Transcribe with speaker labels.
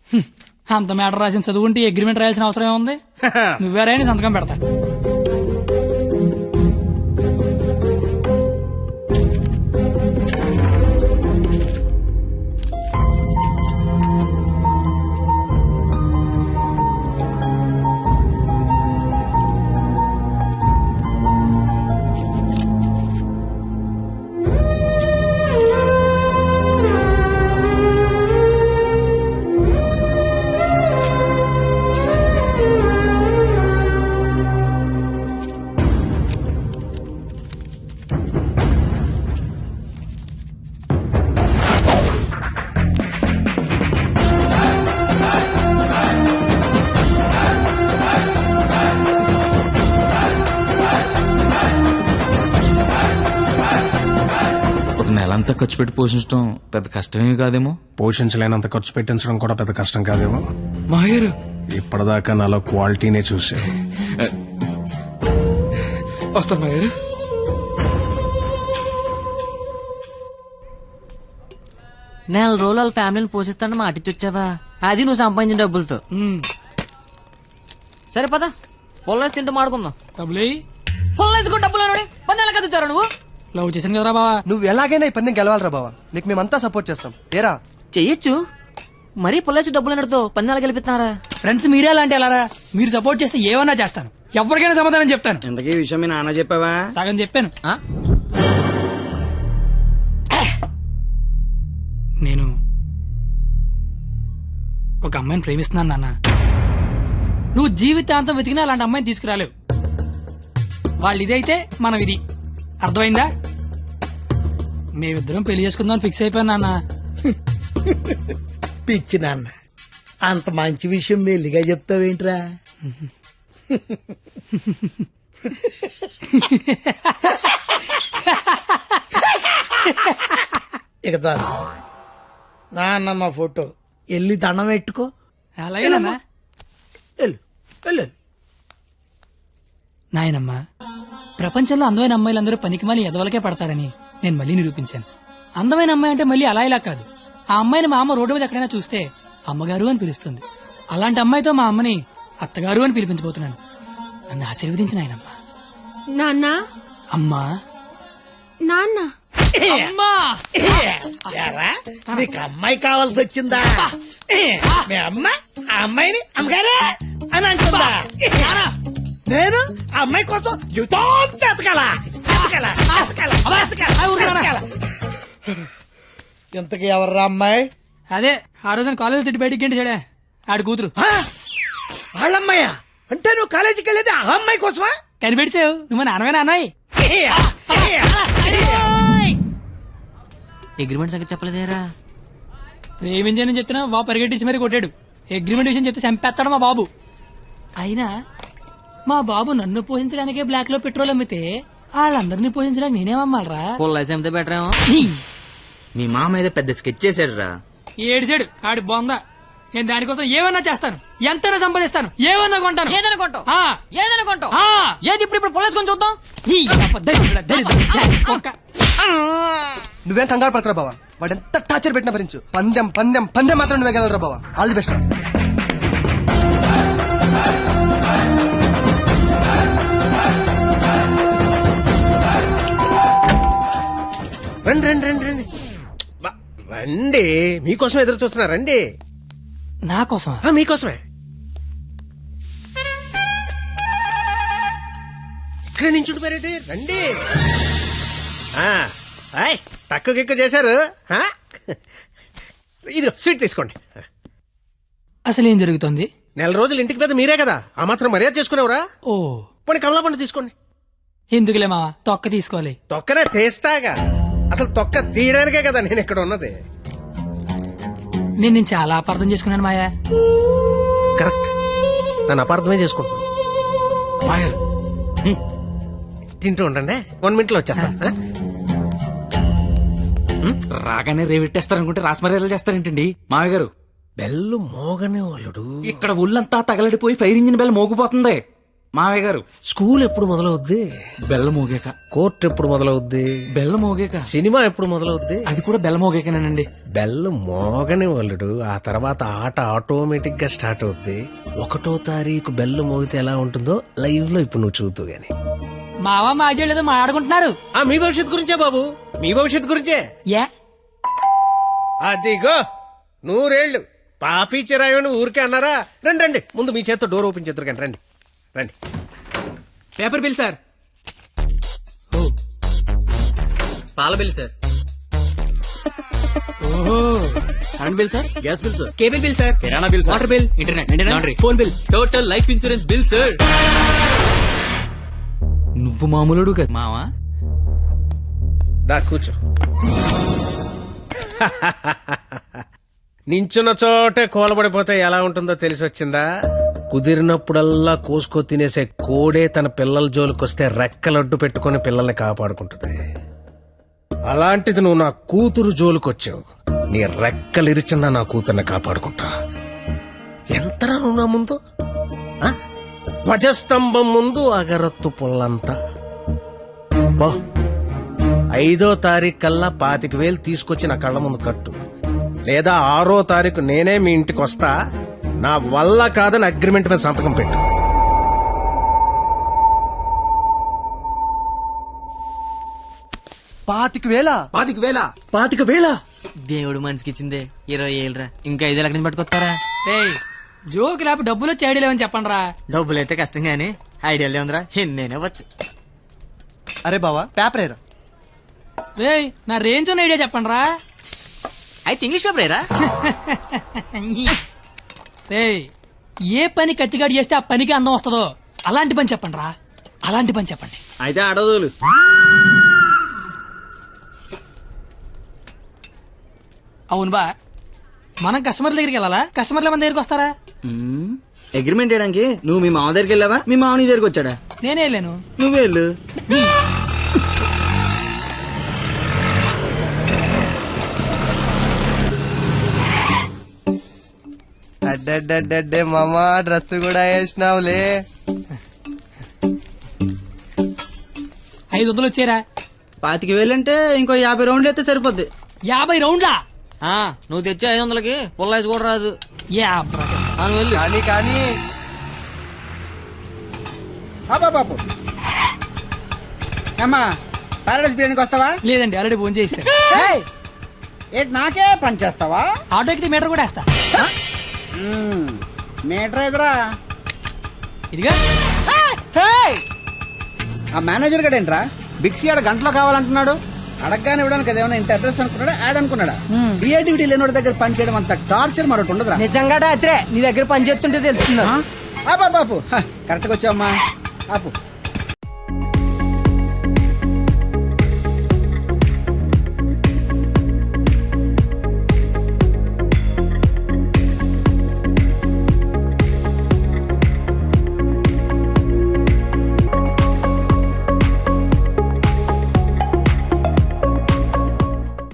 Speaker 1: అంత మ్యాటర్ రాసిన చదువుకుంటే అగ్రిమెంట్ రాయాల్సిన అవసరం ఏముంది? నువ్వేరైనా సంతకం పెడతా.
Speaker 2: నెలంతా ఖర్చు పెట్టి పోషించడం పెద్ద కష్టమేమి కాదేమో.
Speaker 3: పోషించలేనంత ఖర్చు పెట్టించడం కూడా పెద్ద కష్టం కాదేమో.
Speaker 2: మాయర్
Speaker 3: ఇప్పటిదాకా నాలో క్వాలిటీనే చూసావు.
Speaker 2: వస్తాను మాయర్.
Speaker 4: నెల రోజులు వాళ్ళ ఫ్యామిలీని పోషిస్తాను మాటిచ్చొచ్చావా? అది నువ్వు సంపాదించిన డబ్బులతో. సరే పద, పొల్లేసి తింటూ మాడుకుందాం.
Speaker 1: డబ్బులు
Speaker 4: పొల్లేసుకో డబ్బులు పన్నెల కదా ఇచ్చారా నువ్వు?
Speaker 1: లవ్ చేశాను కదరా బావా.
Speaker 5: నువ్వు ఎలాగైనా ఈ పందెం గెలవాలరా బావా. నీకు మేమంతా సపోర్ట్ చేస్తాం. ఏరా
Speaker 4: చెయ్యొచ్చు, మరీ పొల్లేసి డబ్బులు అన్నతో పన్నెల గెలిపిస్తున్నారా?
Speaker 1: ఫ్రెండ్స్ మీరే అలాంటి అలారా. మీరు సపోర్ట్ చేస్తే ఏమన్నా చేస్తాను, ఎవరికైనా సమాధానం చెప్తాను.
Speaker 6: ఇంతకీ ఈ విషయం మీ నాన్న చెప్పావా?
Speaker 1: సగం చెప్పాను. నేను ఒక అమ్మాయిని ప్రేమిస్తున్నాను నాన్న. నువ్వు జీవితాంతం వెతికినా అలాంటి అమ్మాయిని తీసుకురాలేవు. వాళ్ళు ఇదైతే మనం ఇది. అర్థమైందా? మేమిద్దరం పెళ్లి చేసుకుందాం ఫిక్స్ అయిపోయాను నాన్న.
Speaker 7: పిచ్చి నాన్న, అంత మంచి విషయం మెల్లిగా చెప్తావేంట్రా? ఇక చాలు నాన్న, మా ఫోటో వెళ్ళి దండం పెట్టుకో.
Speaker 1: అలాగే నాన్న.
Speaker 7: వెళ్ళు వెళ్ళు.
Speaker 1: నాయనమ్మా, ప్రపంచంలో అందమైన అమ్మాయిలందరూ పనికిమాలి ఎదవలకే పడతారని నేను మళ్ళీ నిరూపించాను. అందమైన అమ్మాయి అంటే మళ్ళీ అలా ఇలా కాదు. ఆ అమ్మాయిని మా అమ్మ రోడ్డు మీద ఎక్కడైనా చూస్తే అమ్మగారు అని పిలుస్తుంది. అలాంటి అమ్మాయితో మా అమ్మని అత్తగారు అని పిలిపించబోతున్నాను. నన్ను ఆశీర్వదించిన ఆయనమ్మా.
Speaker 8: నాన్న,
Speaker 1: అమ్మా,
Speaker 8: నాన్న,
Speaker 1: అమ్మా.
Speaker 7: ఏరా, నీకు అమ్మాయి కావాల్సి వచ్చిందా? మీ అమ్మ ఆ అమ్మాయిని అమ్మగారే అని అంటుందా? నేను ఆ అమ్మాయి కోసం జీవితం ఎతకాల. ఇంతకీ ఎవర్రా అమ్మాయి?
Speaker 1: అదే ఆ రోజున కాలేజ్ తిట్టి బయటికి గంట చెడే ఆడి కూతురు.
Speaker 7: వాళ్ళమ్మాయా? అంటే నువ్వు కాలేజీకి వెళ్ళేది ఆ అమ్మాయి కోసమా?
Speaker 1: కనిపెడిసావు నువ్వు నాన్నమే అన్నాయి.
Speaker 4: అగ్రిమెంట్ సంగతి చెప్పలేదేరా?
Speaker 1: ప్రేమించని చెప్తున్నా బాబు పరిగెట్టించి మరీ కొట్టాడు. అగ్రిమెంట్ విషయం చెప్తే చంపేస్తాడు మా బాబు. అయినా మా బాబు నన్ను పోషించడానికే బ్లాక్ లో పెట్రోల్ అమ్మితే వాళ్ళందరినీ పోషించడానికి నేనేమమ్మాలరా?
Speaker 4: పొల్లేసి అమ్మితే బెటర్ ఏమో.
Speaker 6: మీ మామ ఏదో పెద్ద స్కెచ్ చేశాడు రా.
Speaker 1: ఏడిచాడు ఆడి బొంద. నేను దానికోసం ఏమన్నా చేస్తాను, ఎంతైనా సంపాదిస్తాను, ఏమన్నా కొంటాను.
Speaker 4: ఏదైనా కొంటావు?
Speaker 1: ఆ.
Speaker 4: ఏదైనా కొంటావు?
Speaker 1: ఆ.
Speaker 4: ఏది ఇప్పుడు పొల్లేసుకొని చూద్దాం.
Speaker 5: నువ్వేం కంగారు పడకరా బావా. వాడు ఎంత టార్చర్ పెట్టినా భరించు. పందెం పందెం పందెం మాత్రం నువ్వే గెలవరా బావా. All the best.
Speaker 9: రండి రండి రండి రండి రండి. మీకోసం ఎదురు చూస్తున్నా. రండి.
Speaker 1: నా కోసం?
Speaker 9: మీకోసమే. ఇక్కడ నుంచి మరేంటి? రండి. తక్కువ ఎక్కువ చేశారు. ఇది స్వీట్ తీసుకోండి.
Speaker 1: అసలు ఏం జరుగుతుంది?
Speaker 9: నెల రోజులు ఇంటికి పెద్ద మీరే కదా, ఆ మాత్రం మర్యాద చేసుకునేవరా?
Speaker 1: ఓ
Speaker 9: పోనీ కమలా పండు తీసుకోండి.
Speaker 1: ఎందుకులే మావా, తొక్క తీసుకోవాలి.
Speaker 9: తొక్కనే తీస్తాగా. అసలు తొక్క తీయడానికే కదా నేను ఇక్కడ ఉన్నది.
Speaker 1: నేను చాలా అపార్థం చేసుకున్నాను మాయా.
Speaker 9: కరెక్ట్, నన్ను అపార్థమే చేసుకుంటాను.
Speaker 2: మాయర్
Speaker 9: తింటూ ఉండండి, 1 minute లో వచ్చేస్తా.
Speaker 2: రాగానే రేవెట్టేస్తారనుకుంటే రాస్మరేలా చేస్తారేంటండి మామయ్య గారు?
Speaker 9: బెల్లు మోగనే వాళ్ళుడు.
Speaker 2: ఇక్కడ ఒళ్ళంతా తగలడిపోయి ఫైర్ ఇంజిన్ బెల్ మోగిపోతుంది. మావయ్య గారు
Speaker 9: స్కూల్ ఎప్పుడు మొదలవుద్ది?
Speaker 2: బెల్ల మోగాక.
Speaker 9: కోర్టు ఎప్పుడు మొదలవుద్ది?
Speaker 2: బెల్ల మోగాక.
Speaker 9: సినిమా ఎప్పుడు మొదలవుద్ది?
Speaker 2: అది కూడా బెల్ల మోగాకనేనండి.
Speaker 9: బెల్లు మోగని వాళ్ళుడు, ఆ తర్వాత ఆట ఆటోమేటిక్ గా స్టార్ట్ అవుద్ది. 1వ తారీఖు బెల్లు మోగితే ఎలా ఉంటుందో లైవ్ లో ఇప్పుడు నువ్వు చూద్దు గాని.
Speaker 1: మావా మాజీ లేదో మాట్లాడుకుంటున్నారు.
Speaker 9: మీ భవిష్యత్తు గురించే బాబు, మీ భవిష్యత్తు గురించే.
Speaker 1: యా
Speaker 9: అదిగో 100 ఏళ్ళు పాపి చిరాయని ఊరికే అన్నారా? రండి రండి, ముందు మీ చేత్తో డోర్ ఓపెన్ చేద్దరు కానీ రండి రండి.
Speaker 6: Paper bill sir. పాల bill sir. Current bill sir. Gas bill sir. Cable bill sir. కిరాణా bill sir. Water bill. Internet, laundry, phone bill. Total life insurance bill sir.
Speaker 2: నువ్వు మామూలుడు కదా మావా.
Speaker 9: దా కూర్చో. నించున్న చోటే కూలబడిపోతే ఎలా ఉంటుందో తెలిసి వచ్చిందా? కుదిరినప్పుడల్లా కోసుకో తినేసే కోడే తన పిల్లల జోలికొస్తే రెక్కలడ్డు పెట్టుకుని పిల్లల్ని కాపాడుకుంటుంది. అలాంటిది నువ్వు నా కూతురు జోలికొచ్చావు. నీ రెక్కలిరిచినా నా కూతుర్ని కాపాడుకుంటా. ఎంతరా నువ్వు నా ముందు? ఆ? ధ్వజస్తంభం ముందు అగరత్తు పుల్లంతా. 5వ తారీఖు కల్లా 25,000 తీసుకొచ్చి నా కళ్ళ ముందు కట్టు, లేదా 6వ తారీఖు నేనే మీ ఇంటికి వస్తా. నా వల్ల కాదని అగ్రిమెంట్ మీద సంతకం పెట్టు.
Speaker 5: పాతిక వేల
Speaker 4: దేవుడు మనిషికి ఇచ్చిందే 20 ఏళ్ళరా, ఇంకా 5 లక్షలు పట్టుకొస్తారా?
Speaker 1: ఏయ్ జోక్ లేపు డబ్బులు వచ్చి ఐడియా లేవని చెప్పండి రా.
Speaker 4: డబ్బులు అయితే కష్టం గానీ ఐడియా ఉందిరా, నేనే వచ్చు.
Speaker 5: అరే బావా పేపర్ ఏరా.
Speaker 1: రేయ్ నా రేంజ్ ఉన్న ఐడియా చెప్పండి రా.
Speaker 4: అయితే ఇంగ్లీష్ పేపర్ ఏరా.
Speaker 1: రేయ్ ఏ పని కత్తిగాడు చేస్తే ఆ పనికి అందం వస్తుందో అలాంటి పని చెప్పండి రా. అలాంటి పని చెప్పండి.
Speaker 6: అయితే అడవులు.
Speaker 1: అవును బా, మనం కస్టమర్ల దగ్గరికి వెళ్ళాలా, కస్టమర్ల మన దగ్గరికి వస్తారా?
Speaker 6: అగ్రిమెంట్ చేయడానికి నువ్వు మీ మామ దగ్గరికి వెళ్ళావా, మీ మామ నీ దగ్గరికి వచ్చాడా?
Speaker 1: నేనే వెళ్ళాను.
Speaker 6: నువ్వే వెళ్ళు.
Speaker 5: అడ్డే మామా డ్రెస్ కూడా వేసినావులే.
Speaker 1: 500 వచ్చారా?
Speaker 6: 25,000 అంటే ఇంకో 50 రౌండ్లు అయితే సరిపోద్ది.
Speaker 1: 50 రౌండ్లా?
Speaker 4: నువ్వు తెచ్చే 500కి పుల్లాయిస్ కూడా రాదు.
Speaker 5: కానీ కానీ
Speaker 7: బాబు అమ్మా పారాడైస్ బిర్యానీకి వస్తావా?
Speaker 1: లేదండి, ఆల్రెడీ ఫోన్ చేశాను.
Speaker 7: ఏంటి నాకే పని చేస్తావా?
Speaker 1: ఆటో ఎక్కితే మీటర్ కూడా వేస్తా.
Speaker 7: మీటర్ ఎదురా.
Speaker 1: ఇదిగా
Speaker 7: ఆ మేనేజర్ గడ ఏంట్రా బిక్సీ ఆడ గంటలో కావాలంటున్నాడు. అడగగానే ఇవ్వడానికి అదేమన్నా ఇంత అడ్రస్ అనుకున్నాడా, యాడ్ అనుకున్నాడా? క్రియేటివిటీ లేనివాడి దగ్గర పని చేయడం అంత టార్చర్ మరొకటి ఉండదురా.
Speaker 1: నిజంగా రాత్రే నీ దగ్గర పని చేస్తుంటే తెలుస్తుందా?
Speaker 7: బాపు కరెక్ట్గా వచ్చావమ్మా. ఆపు